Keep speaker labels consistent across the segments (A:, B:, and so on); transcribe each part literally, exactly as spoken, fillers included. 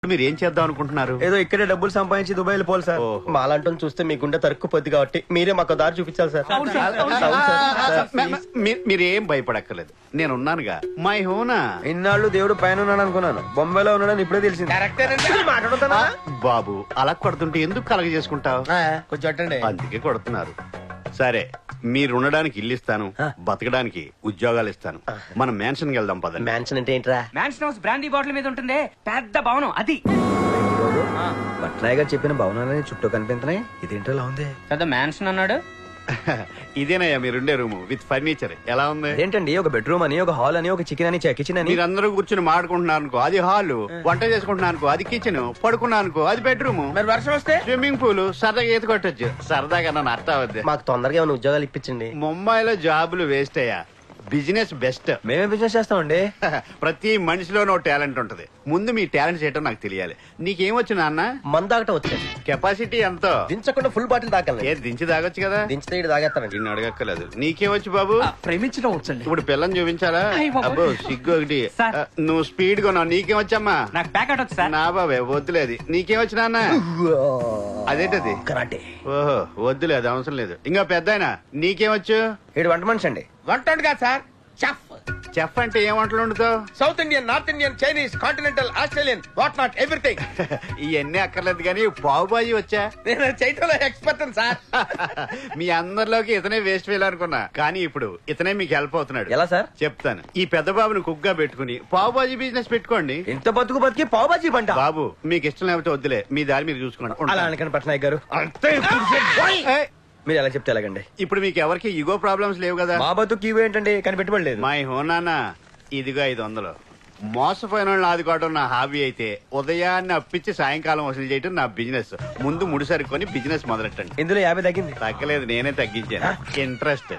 A: మీరు ఏం చేద్దాం అనుకుంటున్నారు?
B: ఏదో ఇక్కడే డబ్బులు సంపాదించి దుబాయ్ వెళ్ళిపోవాలి సార్. మాలాంటి చూస్తే మీ గుండె తరుక్కుపోద్ది కాబట్టి మీరే మాకు దారి చూపించాలి సార్.
A: మీరు ఏం భయపడక్కర్లేదు, నేను ఉన్నానుగా. మై హోనా.
B: ఇన్నాళ్ళు దేవుడు పైన ఉన్నాడు అనుకున్నాను, బొంబాయిలో ఉన్నాడని ఇప్పుడే తెలిసింది.
A: బాబు అలా కొడుతుంటే ఎందుకు కలగ చేసుకుంటావు?
B: కొంచెం
A: అందుకే కొడుతున్నారు. సరే, మీరు ఉండడానికి ఇల్లు ఇస్తాను, బతకడానికి ఉద్యోగాలు ఇస్తాను. మనం మ్యాన్షన్ వెళ్దాం పదండి.
B: మ్యాన్షన్ అంటే ఏంట్రా?
C: మ్యాన్షన్ హౌస్ బ్రాండీ బాటిల్ మీద ఉంటుంది, పెద్ద భవనం అది.
B: పట్నాయ్ గారు చెప్పిన భవనాలని చుట్టూ కనిపించినాయి, ఇదేంటో ఇలా ఉంది.
C: పెద్ద మ్యాన్షన్ అన్నాడు.
A: ఇదేనయ్యా మీరుండే రూమ్ విత్ ఫర్నిచర్. ఎలా ఉంది?
B: ఏంటండి, ఒక బెడ్రూమ్ అని, ఒక హాల్ అని, ఒక చికెన్ అని, కిచెన్ అని.
A: మీరందరూ కూర్చుని మాడుకుంటున్నారు అనుకో, అది హాల్. వంట చేసుకుంటున్నారు అనుకో, అది కిచెన్. పడుకున్నా అనుకో, అది బెడ్రూమ్.
B: మరి వర్షం వస్తే
A: స్విమ్మింగ్ పూల్. సరదాగా ఈత కొట్టొచ్చు. సరదాగా నన్ను అర్థం అవుద్ది.
B: మాకు తొందరగా ఏమైనా ఉద్యోగాలు ఇప్పించండి.
A: ముంబైలో జాబులు వేస్ట్ అయ్యా, బిజినెస్ బెస్ట్.
B: మేమే బిజినెస్ చేస్తామండి.
A: ప్రతి మనిషిలోనూ టాలెంట్ ఉంటది. ముందు మీ టాలెంట్ చేయటం నాకు తెలియాలి. నీకేమొచ్చు నాన్న?
B: మందాకట వచ్చేది.
A: కెపాసిటీ ఎంతో?
B: దించకుండా ఫుల్ బాటిల్ తాగలను.
A: ఏ దించి తాగొచ్చు కదా.
B: దించితే ఇటు తాగేస్తానండి.
A: నిన్ను అడగక్కర్లేదు. నీకేమొచ్చు బాబు?
C: ప్రేమించడం వచ్చండి.
A: ఇప్పుడు పిల్లని చూపించాలా? అబ్బో సిగ్గు ఒకటి. నువ్వు స్పీడ్ గా నీకేమొచ్చమ్మా?
C: నాకు ప్యాకెట్ వచ్చు సార్.
A: నా బాబే వద్దులేదు. నీకేమొచ్చు నాన్న? అదేంటది?
B: కరాటే.
A: ఓహో వద్దులేదు, అవసరం లేదు. ఇంకా పెద్దాయన నీకేమొచ్చు?
B: ఏడు వంట మనిషి అండి.
D: వంట కాదు సార్, చెఫ్.
A: చెఫ్ అంటే ఏం వంటలు వండుతావు?
D: South Indian, north Indian, Chinese, continental, Australian, what not everything.
A: ఇవన్నీ అక్కర్లేదు కానీ పావు బాజీ వచ్చా?
D: నేను చేయటంలో ఎక్స్పర్ట్ సార్.
A: మీ అందరిలోకి ఇతనే వేస్ట్ ఫెయిల్ అనుకున్నా, కానీ ఇప్పుడు ఇతనే మీకు హెల్ప్ అవుతున్నాడు.
B: ఎలా సార్?
A: చెప్తాను. ఈ పెద్ద బాబుని కుక్ గా పెట్టుకుని పావు బాజీ బిజినెస్ పెట్టుకోండి.
B: ఇంత బతుకు బతికి పావు బాజీ బంట.
A: బాబు మీకు ఇష్టం లేకపోతే వద్దులే, మీ దారి మీరు చూసుకోండి.
B: అలా అనకండి పట్నాయక్ గారు.
A: ఏయ్,
B: మీరు ఎలా చెప్తే ఎలాగండి?
A: ఇప్పుడు మీకు ఎవరికి ఈగో ప్రాబ్లమ్స్ లేవు కదా?
B: మా బతుకు ఇవి ఏంటండి, కానీ పెట్టుబడి లేదు.
A: మై హోనానా, ఇదిగో ఐదు వందలు. మోసపోయిన వాళ్ళని ఆదుకోవడం నా హాబీ అయితే, ఉదయాన్నే అప్పించి సాయంకాలం వసూలు చేయడం నా బిజినెస్. ముందు ముడి సరుకొని బిజినెస్ మొదలెట్టండి.
B: ఇందులో యాభై తగ్గింది.
A: తగ్గలేదు, నేనే తగ్గించాను. ఇంట్రెస్ట్.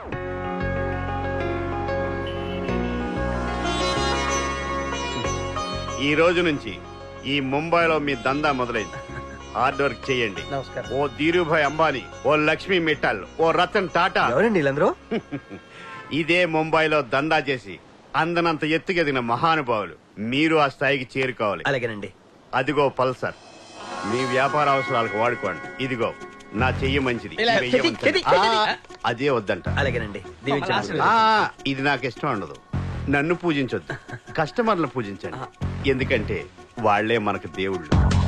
A: ఈ రోజు నుంచి ఈ ముంబైలో మీ దందా మొదలైంది. హార్డ్ వర్క్ చేయండి.
B: నమస్కారం.
A: ఓ ధీరుభాయ్ అంబానీ, ఓ లక్ష్మీ మిట్టల్, ఓ రతన్ టాటా.
B: ఎవరండి వీళ్ళందరూ?
A: ఇదే ముంబైలో దందా చేసి అందనంత ఎత్తుకెదిగిన మహానుభావులు. మీరు ఆ స్థాయికి చేరుకోవాలి.
B: అలాగేనండి.
A: అదిగో పల్సర్, మీ వ్యాపార అవసరాలకు వాడుకోండి. ఇదిగో నా చెయ్యి మంచిది.
D: ఇలా
A: ఈ వెయ్యి
D: చెయ్యి,
A: ఉంచండి.
D: చెయ్యి,
A: ఆ, అదే వద్దంట.
B: అలాగేనండి. దీవించండి.
A: ఆ, ఇది నాకు ఇష్టం ఉండదు. నన్ను పూజించొద్దు, కస్టమర్లను పూజించండి. ఎందుకంటే వాళ్లే మనకు దేవుళ్ళు.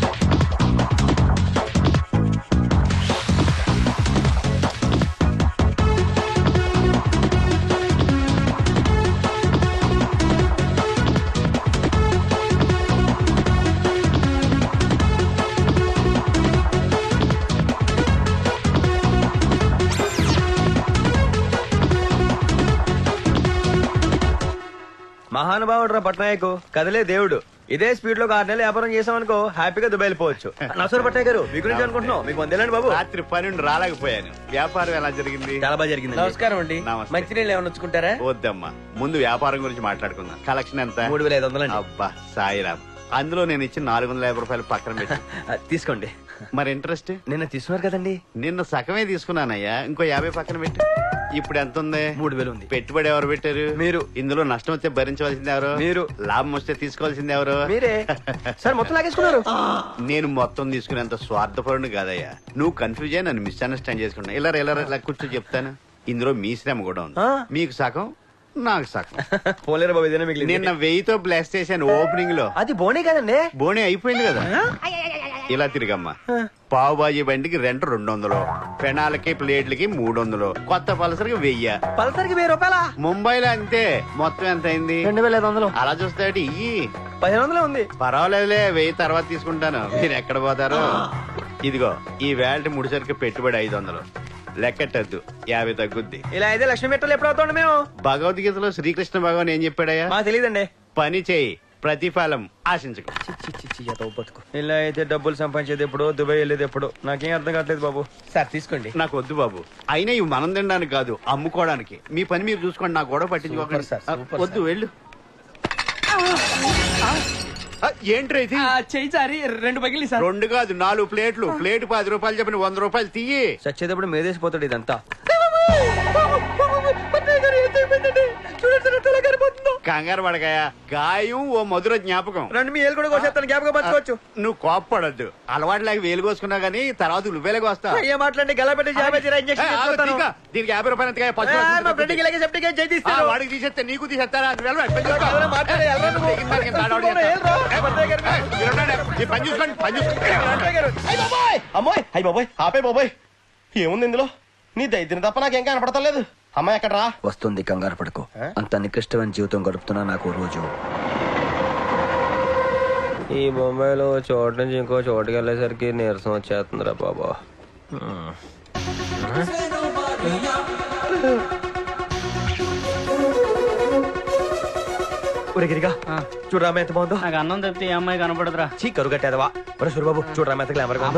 B: మహానుభావుడు రా పట్నాయక్, కదలే దేవుడు. ఇదే స్పీడ్ లో ఆరు నెలలు వ్యాపారం చేసామనుకో, హ్యాపీగా దుబాయ్ వెళ్ళిపోవచ్చు. నమస్కారం పట్నాయక్ గారు, మీ గురించి అనుకుంటున్నాం. మీకు వందేలండి బాబు.
A: రాత్రి పన్నెండు రాలేకపోయాను. వ్యాపారం ఎలా జరిగింది?
B: చాలా బాగా జరిగింది.
D: నమస్కారం అండి.
A: నమస్తే.
D: మంచినీళ్ళు ఏమైనా వచ్చుకుంటారా?
A: వద్దమ్మా, ముందు వ్యాపారం గురించి మాట్లాడుకుందాం. కలెక్షన్ ఎంత?
B: మూడు వేల ఐదు వందలండి.
A: అబ్బా సాయిరామ్, అందులో నేను ఇచ్చిన నాలుగు వందల యాభై రూపాయలు పక్కన పెట్టి.
B: తీసుకోండి.
A: మరి ఇంట్రెస్ట్?
B: నిన్న తీసుకున్నారు కదండి.
A: నిన్న సగమే తీసుకున్నానయ్యా, ఇంకో యాభై పక్కన పెట్టి. ఇప్పుడు ఎంత ఉంది?
B: మూడు వేలు ఉంది.
A: పెట్టుబడి ఎవరు పెట్టారు?
B: మీరు.
A: ఇందులో నష్టం వస్తే భరించవలసింది ఎవరు?
B: మీరు.
A: లాభం వస్తే తీసుకోవాల్సింది ఎవరు?
B: మీరే. సార్ మొత్తం లాగేసుకున్నారు.
A: నేను మొత్తం తీసుకునేంత స్వార్థపరుని కాదయ్యా. నువ్వు కన్ఫ్యూజ్ అయ్యి నన్ను మిస్అండర్స్టాండ్ చేసుకున్నా. ఇలా ఇలా ఇలా కూర్చో చెప్తాను. ఇందులో మీ శ్రమ కూడా ఉంది. మీకు సగం, నాకు సగం.
B: పోలేరు బాబు, ఇదేనా మిగిలింది.
A: నిన్న వెయ్యితో బ్లాస్ట్ చేశాను ఓపెనింగ్ లో.
B: అది బోనే కదండి.
A: బోనే అయిపోయింది కదా. ఇలా తిరిగమ్మా. పావు బాజీ బండికి రెంట్ రెండు వందలు, పెనాలకి ప్లేట్లకి మూడు వందలు, కొత్త పలసరికి వెయ్యి.
B: పలసరికి వెయ్యి రూపాయల?
A: ముంబైలో అంతే. మొత్తం ఎంత అయింది?
B: రెండు వేల ఐదు వందలు.
A: అలా చూస్తే ఇయ్యి.
B: పదిహేను వందలే ఉంది.
A: పర్వాలేదులే, వెయ్యి తర్వాత తీసుకుంటాను. మీరు ఎక్కడ పోతారు? ఇదిగో ఈ వేల్ట్ ముడిసరికి పెట్టుబడి ఐదు వందలు. లెక్కట్టద్దు, యాభై తగ్గుద్ది.
B: ఇలా అయితే లక్ష్మీ మెట్టలు ఎప్పుడు అవుతాండి మేము?
A: భగవద్గీతలో శ్రీకృష్ణ భగవాన్ ఏం చెప్పాడయ్యా?
B: మాకు తెలియదండి.
A: పని చేయి, ప్రతిఫలం ఆశించకు.
B: బతుకు. ఇలా అయితే డబ్బులు సంపాదించేది ఎప్పుడు, దుబాయ్ వెళ్ళేది ఎప్పుడు, నాకేం అర్థం కావట్లేదు బాబు.
D: సార్ తీసుకోండి.
A: నాకు వద్దు బాబు. అయినా ఇవి మనం తినడానికి కాదు, అమ్ముకోవడానికి. మీ పని మీరు చూసుకోండి, నాకు గొడవ పట్టించుకోకండి.
D: సూపర్ సార్, సూపర్
A: వద్దు, వెళ్ళు. ఏంట్రా ఇది?
C: చెయ్యి సారి రెండు పగిలి సార్.
A: రెండు కాదు, నాలుగు ప్లేట్లు. ప్లేట్ పది రూపాయలు చెప్పిన వంద రూపాయలు తీయి.
B: చచ్చేటప్పుడు మేదేసిపోతాడు ఇదంతా.
D: చూడండి
A: కంగారు పడకాయ గాయం ఓ మధుర జ్ఞాపకం.
B: రండి మీ ఏళ్ళు కూడా కోసేస్తాను, జ్ఞాపకం పంచుకోవచ్చు.
A: నువ్వు కోప్పడద్దు, అలవాటు లేక వేలు కోసుకున్నా గానీ తర్వాత నువ్వేలాగా వస్తావు.
B: ఏ మాట్లాడి గల పెట్టి ఇంజక్షన్
A: దీనికి యాభై రూపాయలు ఎంతకాయ? పచ్చి
B: మా ఫ్రెండ్కి ఇలాగే సెప్టిక్ జై
A: ఆ,
B: తీస్తాను.
A: వాడికి తీసేస్తే నీకు తీసేస్తారా? అది వెళ్ళరా, పెళ్లి చేసుకో.
B: ఎవరో మాట్లాడే, ఎవరో నువ్వు.
A: తెగిన దానికి ఎంత ఆడవాడు చేస్తావు?
B: ఏల్రా,
A: ఏ,
B: పద్దయ్య గారు.
A: ఏ, మీరు ఉండండి. ఈ పని చూసుకోండి, పని చూసుకోండి.
E: అయ్య బాబోయ్ అమ్మోయ్ అయ్య బాబోయ్ ఆపే బాబోయ్ ఏముంది ఇందులో? నీ దైత్యం తప్ప నాకేం కనపడతలేదు. అమ్మాయి ఎక్కడ రా?
B: వస్తుంది, కంగారు పడుకో. అంత నికృష్టమైన జీవితం గడుపుతున్నా నాకు రోజు. ఈ బొంబాయిలో చోటు నుంచి ఇంకో చోటుకి వెళ్ళేసరికి నీరసం వచ్చేస్తుందిరా బాబా. గిరిగా చూడరామ ఎంత బాగుందో.
C: నాకు అన్నం తప్పితే ఏ అమ్మాయి కనపడదురా.
B: చీ కరువు కట్టేదవా. ఒరే సూరిబాబు చూడరామ ఎంత గ్లామర్ గా ఉందో.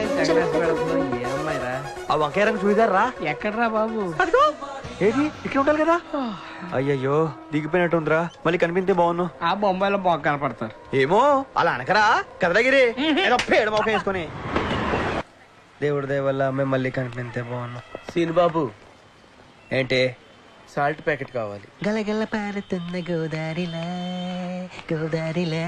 B: ఆ వంకాయ రంగు చూయిదారు రా.
C: ఎక్కడరా బాబు?
B: అదిగో ఏది ఇక్కడ ఉండాలి కదా. అయ్యయ్యో దిగిపోయినట్టుందిరా, మళ్ళీ కనిపిస్తే బాగున్ను.
C: ఆ బొంబాయిలో బాగా కనపడతారు.
B: ఏమో అలా అనకరా కదలగిరి, ఏదో పేడ మొక్క వేసుకొని. దేవుడి దయ వల్ల మేము మళ్ళీ కనిపిస్తే బాగున్నాం.
D: సీన్ బాబు
B: ఏంటి?
D: సాల్ట్ ప్యాకెట్ కావాలి.
B: గలగల పారుతున్న గోదారిలా గోదారిలా.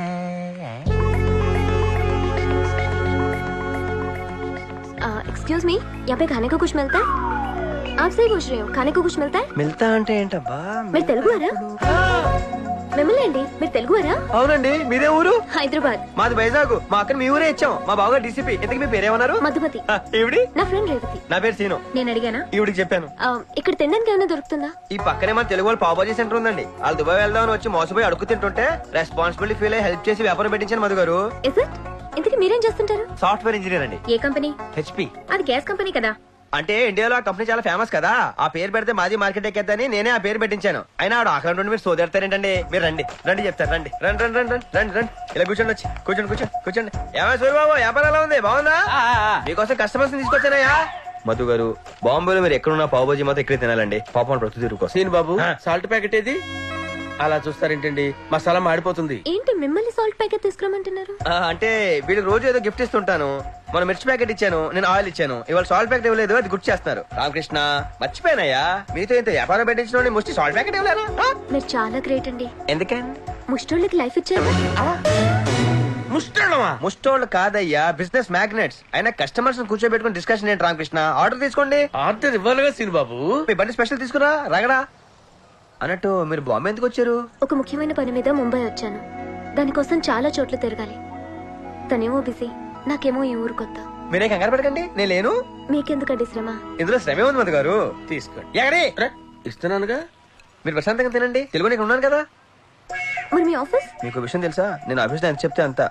F: एक्सक्यूज मी, यहाँ पे खाने को कुछ मिलता है? आपसे ही पूछ रही हूँ, खाने को कुछ मिलता है?
B: మిల్తా అంటే ఏంటబ్బా?
F: మీరు తెలుగువారా? మిమ్మల్ని అండి, మీరు తెలుగువారా?
B: అవునండి, మీదే ఊరు?
F: హైదరాబాద్.
B: మాది వైజాగ్. మా అక్కని మీ ఊరే ఇచ్చాం. మా బావగారు డీసీపీ. ఇంతకు మీ పేరేమన్నారు?
F: మధుమతి.
B: ఆ, ఈవిడి?
F: నా ఫ్రెండ్ రేవతి.
B: నా పేరు సీను.
F: నేను అడిగానా?
B: ఈవిడికి చెప్పాను.
F: ఆ, ఇక్కడ తినడానికి ఏమైనా దొరుకుతుందా?
B: ఈ పక్కనే మన తెలుగు వాళ్ళు పావుబాజీ సెంటర్ ఉందండి. వాళ్ళు దుబాయ్ వెళ్దామని వచ్చి మోసపోయి అడుగు తింటుంటే రెస్పాన్సిబిలిటీ ఫీల్ అయ్యి హెల్ప్ చేసి వ్యాపారం పెట్టించాను మధు గారు.
F: Is it? ఇంతకీ మీరేం చేస్తుంటారు?
B: సాఫ్ట్వేర్ ఇంజనీర్ అండి.
F: ఏ కంపెనీ?
B: హెచ్పి.
F: అది గ్యాస్ కంపెనీ కదా.
B: అంటే ఇండియాలో ఆ కంపెనీ చాలా ఫేమస్ కదా, ఆ పేరు పెడితే మాది మార్కెట్ ఎక్కేద్దని నేనే ఆ పేరు పెట్టించాను. అయినా ఆవిడ ఆకలి నుండి మీరు సోదెడతారేంటండి? మీరు రండి రండి చెప్తారు. రండి రండి రండి రండి రండి రండి ఇలా కూర్చోండి, వచ్చి కూర్చోండి కూర్చోండి కూర్చోండి. ఏమై సూరిబాబు వ్యాపారం ఎలా ఉంది? బాగుందా? మీకోసం కస్టమర్స్ తీసుకొచ్చానయ్యా. మధు గారు బాంబేలో మీరు ఎక్కడున్నా పావుబాజీ మాత్రం ఇక్కడే తినాలండి. పాపం ప్రతి తిరుగుకోసం.
D: సీన్ బాబు సాల్ట్ ప్యాకెట్ ఏది? అలా చూస్తారేంటండి, మసాలా మాడిపోతుంది.
F: ఏంటి మిమ్మల్ని సాల్ట్ ప్యాకెట్ తీసుకురమ్మంటున్నారు?
B: ఆ, అంటే వీళ్ళకి రోజు ఏదో గిఫ్ట్ ఇస్తుంటాను. మన మిర్చి ప్యాకెట్ ఇచ్చాను, నేను ఆయిల్ ఇచ్చాను. ఇవాళ సాల్ట్ ప్యాకెట్ ఇవ్వలేదు, అది గుర్తు చేస్తున్నారు. రామకృష్ణ మర్చిపోయినాయా, మీతో ఇంత వ్యాపారం పెట్టించిన ముష్టి సాల్ట్ ప్యాకెట్ ఇవ్వలేనా?
F: మీరు చాలా గ్రేట్ అండి.
B: ఎందుకండి?
F: ముష్టోళ్ళకి లైఫ్ ఇచ్చారు.
D: ముష్టమా?
B: ముష్టోళ్ళు కాదయ్యా, బిజినెస్ మ్యాగ్నెట్స్. అయినా కస్టమర్స్ కూర్చోబెట్టుకుని డిస్కషన్ ఏంటి రామకృష్ణ? ఆర్డర్ తీసుకోండి.
D: ఆర్డర్ ఇవ్వాలిగా సీన్ బాబు.
B: మీ బండి స్పెషల్ తీసుకురా రగడా. అన్నట్టు మీరు బాంబే ఎందుకు వచ్చారు?
F: ఒక ముఖ్యమైన పని మీద ముంబై వచ్చాను. దానికోసం చాలా చోట్ల తిరగాలి. తనేమో బిజీ, నాకేమో ఈ ఊరు కొత్త.
B: మీరే కంగారు పడకండి, నేను లేను.
F: మీకెందుకండి శ్రమ?
B: ఇందులో శ్రమే ఉంది మధు గారు.
D: తీసుకోండి.
B: ఎక్కడి?
D: ఇస్తున్నానుగా.
B: మీరు ప్రశాంతంగా తినండి, తెలుగు నీకు ఉన్నాను కదా.
F: మరి మీ ఆఫీస్?
B: మీకు విషయం తెలుసా, నేను ఆఫీస్ లో ఎంత చెప్తే అంత.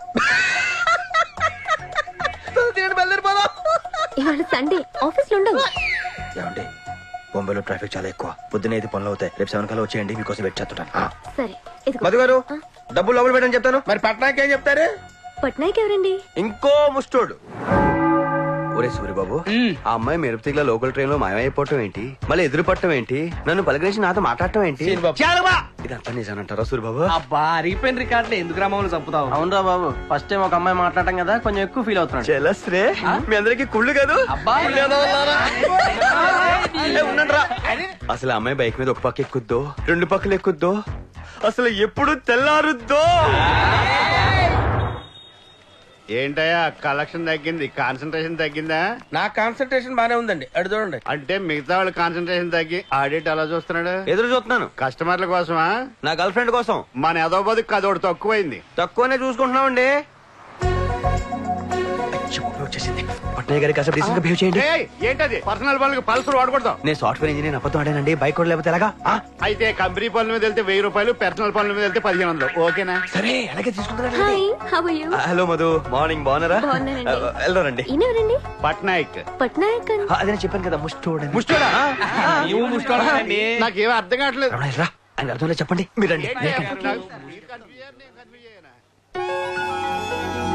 F: ఇవాళ సండే ఆఫీస్ లో ఉండవు.
B: ఏమండి బొంబాయిలో ట్రాఫిక్ చాలా ఎక్కువ, పొద్దున ఐదు పనులు అవుతాయి. రేపు సెవెన్ కల్లా వచ్చేయండి, మీకోసం వెయిట్ చేస్తుంటాను.
F: సరే ఇదిగో.
B: మధు గారు డబ్బులు లోపల పెట్టని చెప్తాను.
D: మరి పట్నాకి ఏం చెప్తారు?
F: పట్నాయక్ ఎవరండి?
B: ఇంకో ముస్టోడు. ఒరే సూరిబాబు, ఆ అమ్మాయి మెరుపుతిగ్ల లోకల్ ట్రైన్ లో మాయమైపోవటం ఏంటి, మళ్ళీ ఎదురు పట్టడం ఏంటి, నన్ను పలకరించి నాతో మాట్లాడటం ఏంటి?
D: సీన్ బాబు.
B: ఇదంతా నిజానంటారా సూరిబాబు?
C: అబ్బా అరిగిపోయిన రికార్డులు ఎందుకు రామని చంపుతావు?
E: అవునరా బాబు, ఫస్ట్ టైం ఒక అమ్మాయి మాట్లాడటం కదా, కొంచెం ఎక్కువ ఫీల్ అవుతున్నాడు.
B: చెలస్రే మీ అందరికి కుళ్ళు కాదు.
C: అబ్బా
B: ఉండండిరా. అసలు ఆ అమ్మాయి బైక్ మీద ఒక పక్క ఎక్కుద్దో రెండు పక్కలు ఎక్కుద్దో, అసలు ఎప్పుడు తెల్లారుద్దో.
A: ఏంటయ్యా కలెక్షన్ తగ్గింది, కాన్సన్ట్రేషన్ తగ్గిందా?
D: నా కాన్సన్ట్రేషన్ బానే ఉందండి, అడు చూడండి.
A: అంటే మిగతా వాళ్ళ కాన్సన్ట్రేషన్ తగ్గి ఆడిట్ అలా చూస్తున్నాడు.
B: ఎదురు చూస్తున్నాను.
A: కస్టమర్ల కోసమా?
B: నా గర్ల్ ఫ్రెండ్ కోసం.
A: మన ఎదో బతుకు కదోడు తక్కువైంది.
B: తక్కువనే చూసుకుంటున్నామండి. వచ్చేసింది. పట్నాయ్ గారికి అసలు డీసెంట్ గా బిహేవ్ చేయండి.
A: ఏయ్, ఏంటది? పర్సనల్ పనులకు పల్సర్ వాడకూడదు.
B: నేను సాఫ్ట్వేర్ ఇంజనీర్ అబద్ధం ఆడానండి, బైక్ కూడా లేకపోతే ఎలాగా? ఆ?
A: అయితే కంపెనీ పనుల మీద వెళ్తే వెయ్యి రూపాయలు, పర్సనల్ పనుల మీద వెళ్తే పదిహేను వందలు. ఓకేనా?
B: సరే అలాగే తీసుకుంటారా?
F: Hi, how are you?
B: Hello Madhu, morning బాగున్నారా?
F: బాగున్నానండి.
B: వెళ్దారండి.
F: ఈయనెవరండి?
A: పట్నాయక్.
F: పట్నాయక్ అండి.
B: అదే నేను చెప్పాను కదా ముస్టోడు.
A: ముష్టోడా?
C: నువ్వు ముష్టోడండి.
A: నాకేమీ అర్థం కావట్లేదు.
B: రా ఆయన అర్థంలో చెప్పండి. మీరండి.
A: ఏంటయ్యా, నాకు- మీరు కన్ఫ్యూజ్ అయ్యారు, నేను కన్ఫ్యూజ్ అయ్యానా?